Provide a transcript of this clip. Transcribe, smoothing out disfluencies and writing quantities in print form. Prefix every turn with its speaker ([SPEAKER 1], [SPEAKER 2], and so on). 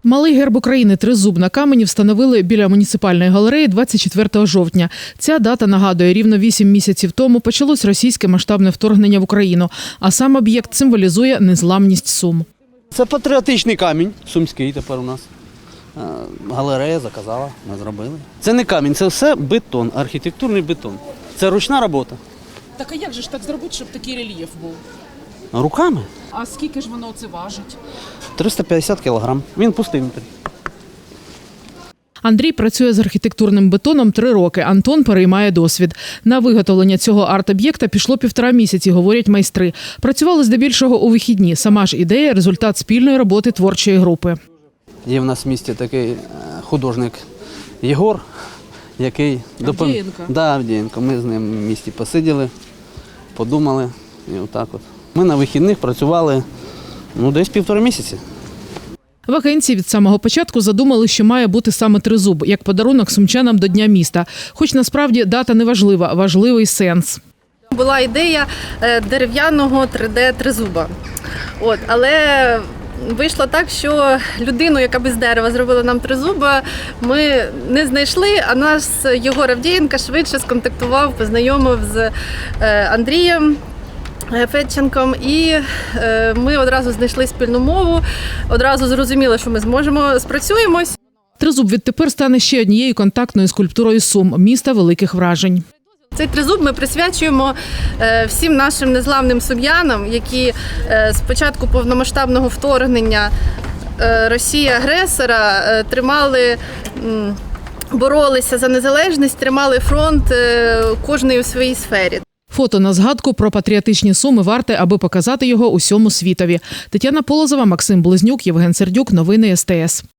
[SPEAKER 1] Малий герб України «Тризуб» на камені встановили біля муніципальної галереї 24 жовтня. Ця дата нагадує, рівно 8 місяців тому почалось російське масштабне вторгнення в Україну, а сам об'єкт символізує незламність Сум.
[SPEAKER 2] Це патріотичний камінь, сумський тепер у нас. Галерея заказала, ми зробили. Це не камінь, це все бетон, архітектурний бетон. Це ручна робота.
[SPEAKER 3] Так а як же ж так зробити, щоб такий рельєф був?
[SPEAKER 2] Руками
[SPEAKER 3] А скільки ж воно це важить?
[SPEAKER 2] 350 кг. Він пустий.
[SPEAKER 1] Андрій працює з архітектурним бетоном 3 роки. Антон переймає досвід. На виготовлення цього арт-об'єкта пішло 1,5 місяці, говорять майстри. Працювали здебільшого у вихідні. Сама ж ідея – результат спільної роботи творчої групи.
[SPEAKER 2] Є в нас в місті такий художник Єгор, який
[SPEAKER 3] Авдієнко?
[SPEAKER 2] Да, Авдієнко. Ми з ним в місті посиділи, подумали і отак от. Ми на вихідних працювали десь 1,5 місяці.
[SPEAKER 1] В агенції від самого початку задумали, що має бути саме тризуб, як подарунок сумчанам до Дня міста. Хоч насправді дата не важлива, важливий сенс.
[SPEAKER 4] Була ідея дерев'яного 3D-тризуба. Але вийшло так, що людину, яка без дерева зробила нам тризуба, ми не знайшли, а нас Єгор Авдієнко швидше сконтактував, познайомив з Андрієм Федченком, і ми одразу знайшли спільну мову, одразу зрозуміли, що ми спрацюємось.
[SPEAKER 1] Тризуб відтепер стане ще однією контактною скульптурою Сум – міста великих вражень.
[SPEAKER 4] Цей тризуб ми присвячуємо всім нашим незламним сум'янам, які з початку повномасштабного вторгнення Росії-агресора боролися за незалежність, тримали фронт кожний у своїй сфері.
[SPEAKER 1] Фото на згадку про патріотичні Суми варте, аби показати його усьому світові. Тетяна Полозова, Максим Близнюк, Євген Сердюк. Новини СТС.